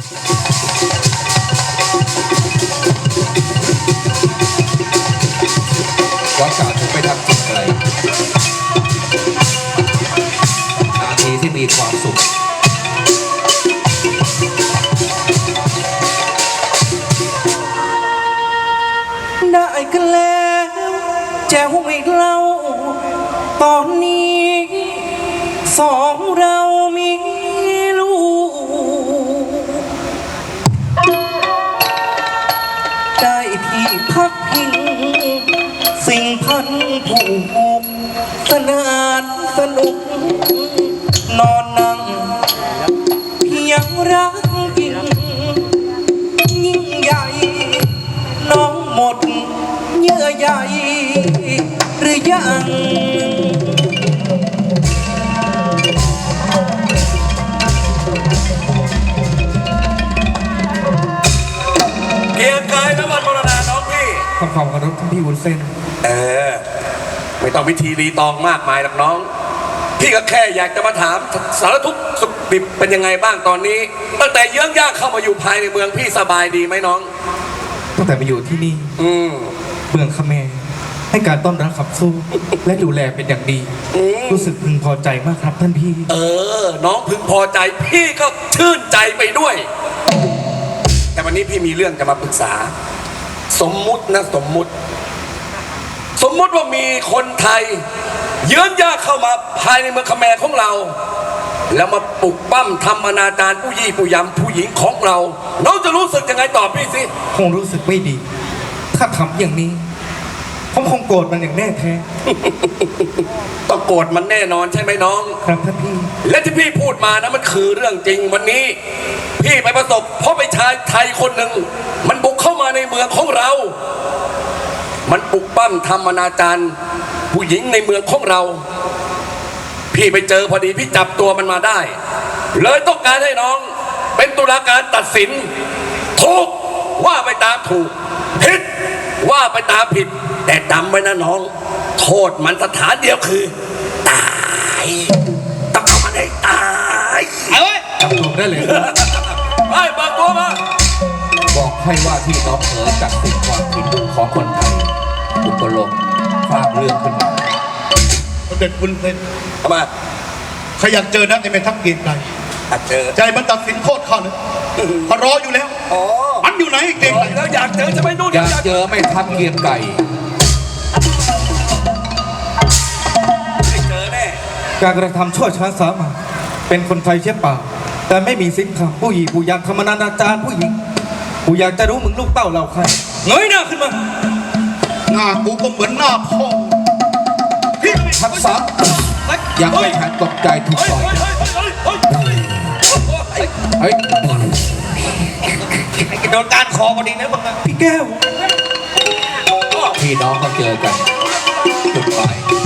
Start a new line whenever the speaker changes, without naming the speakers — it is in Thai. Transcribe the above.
ย้อนกล่าวถึงไปทำจิตอะไรนาทีที่มีความสุข
ได้กันแล้วแจ้วอีกเล่าตอนนี้สองเรามีลูกได้ที่พักพิงสิ่งพันผูกสนานสนุกนอนนั่งเพียงรักจริงยิ่งใหญ่น้องหมดเยื่อใยหรือยัง
เกียร์กายน้ำมันมรณาน้องพี่
ขอบคุณครับท่านพี่วุ้นเส้น
ไม่ต้องพิธีรีตองมากมายหรอกน้อง พี่ก็แค่อยากจะมาถามสารทุกข์สุขดิบเป็นยังไงบ้างตอนนี้ตั้งแต่เยื้องย่างเข้ามาอยู่ภายในเมืองพี่สบายดีไหมน้อง
ตั้งแต่มาอยู่ที่นี่เมืองคาเมรให้การต้อนรับขับสู้ และดูแลเป็นอย่างดี รู้สึกพึงพอใจมากครับท่านพี่
น้องพึงพอใจพี่ก็ชื่นใจไปด้วย แต่วันนี้พี่มีเรื่องจะมาปรึกษา สมมุตินะสมมุติว่ามีคนไทยเยื้อนย่างเข้ามาภายในเมืองคาเมรของเรา แล้วมาปลุกปั้มทำอนาจารผู้ยี่ผู้ยำผู้หญิงของเราน้องจะรู้สึกยังไงตอบพี่สิ
คงรู้สึกไม่ดี ถ้าทำอย่างนี้ผมคงโกรธมันอย่างแน่แท้
ต้องโกรธมันแน่นอนใช่ไหมน้อง
ครับท่านพี่
และที่พี่พูดมานะมันคือเรื่องจริงวันนี้ พี่ไปประสบเพราะไปชายไทยคนหนึ่งมันบุกเข้ามาในเมืองของเรา มันปลุกปั้มทำอนาจารผู้หญิงในเมืองของเรา พี่ไปเจอพอดีพี่จับตัวมันมาได้ เลยต้องการให้น้องเป็นตุลาการตัดสินถูกว่าไปตามถูกผิดว่าไปตามผิดแต่จำไว้นะน้อง โทษมันสถานเดียวคือตายต้องเอามันให้ตาย
จับตัวได้เลย
ไปเปิดตัวมา
บอกให้ว่าที่น้องเอ๋ยตัดสินความผิดของคนไทยอุปโลกฟาดเรื่องขึ้นมา
เด็ดคุณเส้น
ทำไม
ขยันเจอนะในแม่ทัพเกียรติไกร
เจอ
ใจมันตัดสินโทษข้าเลยเขารออยู่แล้ว
อ๋อ
มันอยู่ไหนเก่ง
แล้วอยากเจอจะไปนู่น
อยากเจอไม่ทับเกียงไก่
ได้เจอแน่
การกระทำชั่วช้าสามัญเป็นคนไทยเช่นเปล่าแต่ไม่มีสินค้าผู้หญิงผู้ยามธรรมนานาจารผู้หญิงผู้อยากจะรู้มึงลูกเต้าเราใครเงยหน้าขึ้นมา
หน้ากูก็เหมือนหน้าพ่อพี่
ทักษะยังไม่ทันตกใจถูกต่อยเฮ้ย
โดนการคอพอดีนะมึงพี่แก้ว
พี่น้องเขาเจอกันจุดหมาย